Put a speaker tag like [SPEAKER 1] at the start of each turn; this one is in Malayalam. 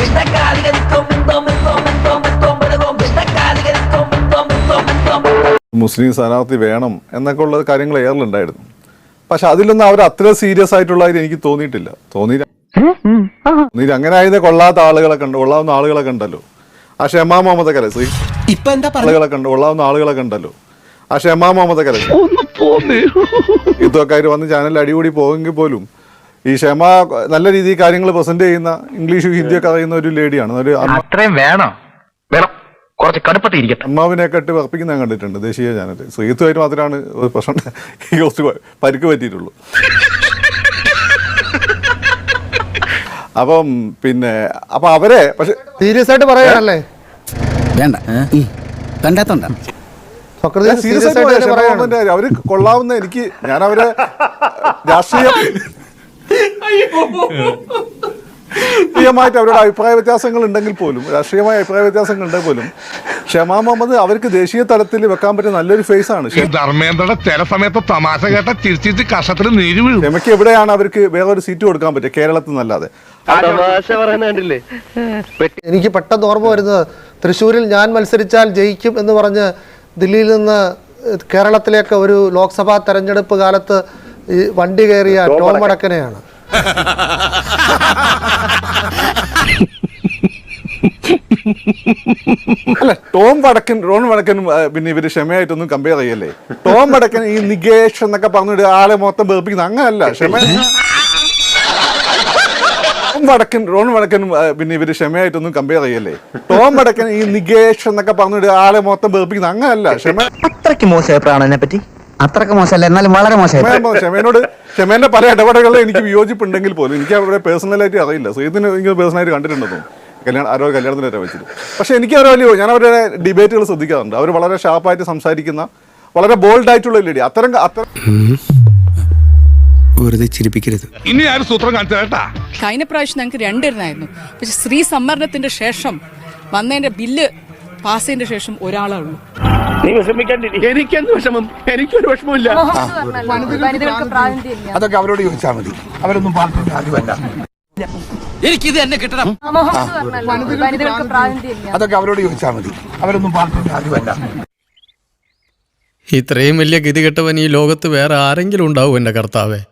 [SPEAKER 1] മുസ്ലിം സ്ഥാനാർത്ഥി വേണം എന്നൊക്കെ ഉള്ള കാര്യങ്ങൾ ഏറിലുണ്ടായിരുന്നു. പക്ഷെ അതിലൊന്നും അവർ അത്ര സീരിയസ് ആയിട്ടുള്ളതായിട്ട് എനിക്ക് തോന്നിയില്ല. അങ്ങനെ ആയത് കൊള്ളാത്ത കൊള്ളാവുന്ന ആളുകളൊക്കെ ഉണ്ടല്ലോ. ആ ഷെമാ മുഹമ്മദ് കരസി കൊള്ളാവുന്ന ആളുകളൊക്കെ ഉണ്ടല്ലോ. ആ ഷെമാ മുഹമ്മദ് കരസി ഇതൊക്കെ ആയിട്ട് വന്ന് ചാനലിൽ അടികൂടി പോകുമെങ്കിൽ പോലും ഈ ഷെമ നല്ല രീതിയിൽ കാര്യങ്ങൾ പ്രസന്റ് ചെയ്യുന്ന ഇംഗ്ലീഷും ഹിന്ദിയൊക്കെ അറിയുന്ന ഒരു ലേഡിയാണ്. അമ്മാവിനെയൊക്കെ ഇട്ട് വർപ്പിക്കുന്ന ഞാൻ കണ്ടിട്ടുണ്ട് ദേശീയ ചാനൽ. ശ്രീത്തുമായിട്ട് മാത്രമാണ് ഒരു പ്രശ്നം കുറച്ച് പരിക്ക് പറ്റിയിട്ടുള്ളൂ. അപ്പൊ അവരെ പക്ഷെ സീരിയസ് ആയിട്ട് പറയാനല്ലേ
[SPEAKER 2] വേണ്ട കണ്ടാത്തോണ്ട
[SPEAKER 1] സീരിയസ് ആയിട്ട് അവര് കൊള്ളാവുന്ന ഞാൻ അവരെ രാഷ്ട്രീയമായിട്ട് അവരുടെ അഭിപ്രായ വ്യത്യാസങ്ങൾ ഉണ്ടെങ്കിൽ പോലും ഷെമാ മുഹമ്മദ് അവർക്ക് ദേശീയ തലത്തിൽ വെക്കാൻ പറ്റിയ നല്ലൊരു ഫേസ് ആണ്.
[SPEAKER 3] ധർമ്മേന്ദ്രയുടെ ചില സമയത്ത് തമാശ കേട്ട ചിരിച്ചിട്ട് കഷത്തിൽ നീര് വീഴും.
[SPEAKER 1] ഷെമയ്ക്ക് എവിടെയാണ് അവർക്ക് വേറൊരു സീറ്റ് കൊടുക്കാൻ പറ്റുക കേരളത്തിൽ നല്ലാതെ?
[SPEAKER 4] എനിക്ക് പെട്ടെന്ന് ഓർമ്മ വരുന്നത് തൃശ്ശൂരിൽ ഞാൻ മത്സരിച്ചാൽ ജയിക്കും എന്ന് പറഞ്ഞ് ദില്ലിയിൽ നിന്ന് കേരളത്തിലേക്ക് ഒരു ലോക്സഭാ തെരഞ്ഞെടുപ്പ് കാലത്ത് വണ്ടി കയറിയ ടോം വടക്കനെയാണ്.
[SPEAKER 1] അല്ല റോൺ വടക്കനും പിന്നെ ഇവര് ക്ഷമയായിട്ടൊന്നും കമ്പയർ ചെയ്യല്ലേ. ടോം വടക്കൻ ഈ നികേഷ് എന്നൊക്കെ പറഞ്ഞിട്ട് ആളെ മൊത്തം വെറുപ്പിക്കുന്ന അങ്ങനല്ല. റോൺ വടക്കനും പിന്നെ ഇവര് ക്ഷമയായിട്ടൊന്നും കമ്പയർ ചെയ്യല്ലേ. ടോം വടക്കൻ ഈ നികേഷ് എന്നൊക്കെ പറഞ്ഞിട്ട് ആളെ മൊത്തം വെറുപ്പിക്കുന്ന അങ്ങനല്ല.
[SPEAKER 2] അത്രയ്ക്ക് മോശമായപ്പോഴാണ് പറ്റി അത്രയ്ക്ക് മോശമല്ല, എന്നാലും വളരെ മോശമായി.
[SPEAKER 1] ക്ഷമേന്റെ പല ഇടപെടലുകളും എനിക്ക് വിയോജിപ്പുണ്ടെങ്കിൽ പോലും എനിക്ക് അവരുടെ പേഴ്സണലായിട്ട് അറിയില്ല. ശ്രീത്തിന് എനിക്ക് പേഴ്സണലായിട്ട് കണ്ടിട്ടുണ്ടെന്നോ അവരുടെ കല്യാണത്തിന് വരെ വെച്ചിട്ട്. പക്ഷെ എനിക്ക് ഞാൻ അവരുടെ ഡിബേറ്റുകൾ ശ്രദ്ധിക്കാറുണ്ട്. അവർ വളരെ ഷാർപ്പായിട്ട് സംസാരിക്കുന്ന വളരെ ബോൾഡായിട്ടുള്ള ലേഡി. അത്തരം
[SPEAKER 5] വെറുതെ ചിരിപ്പിക്കരുത്.
[SPEAKER 3] ഇനി ആരും സൂത്രം കാണിച്ചു കേട്ടാ.
[SPEAKER 6] കഴിഞ്ഞ പ്രാവശ്യം ഞങ്ങൾക്ക് 2 എണ്ണമായിരുന്നു. പക്ഷെ സ്ത്രീ സംവരണത്തിന്റെ ശേഷം വന്നതിന്റെ ബില്ല് പാസ് ചെയ്തതിന്റെ ശേഷം ഒരാളേ ഉള്ളൂ.
[SPEAKER 3] എനിക്കെന്ത് വിഷമം? എനിക്കൊരു വിഷമമില്ല.
[SPEAKER 5] അതൊക്കെ അവരോട് ചോദിച്ചാൽ മതി. അവരൊന്നും പാർട്ടിയുടെ ആദ്യമല്ല.
[SPEAKER 2] എനിക്കിത് എന്നെ കിട്ടണം.
[SPEAKER 5] അതൊക്കെ അവരോട് ചോദിച്ചാൽ മതി. അവരൊന്നും പാർട്ടിയുടെ ആദ്യമല്ല.
[SPEAKER 7] ഇത്രയും വലിയ ഗതികെട്ടവൻ ഈ ലോകത്ത് വേറെ ആരെങ്കിലും ഉണ്ടാവും എൻ്റെ കർത്താവേ?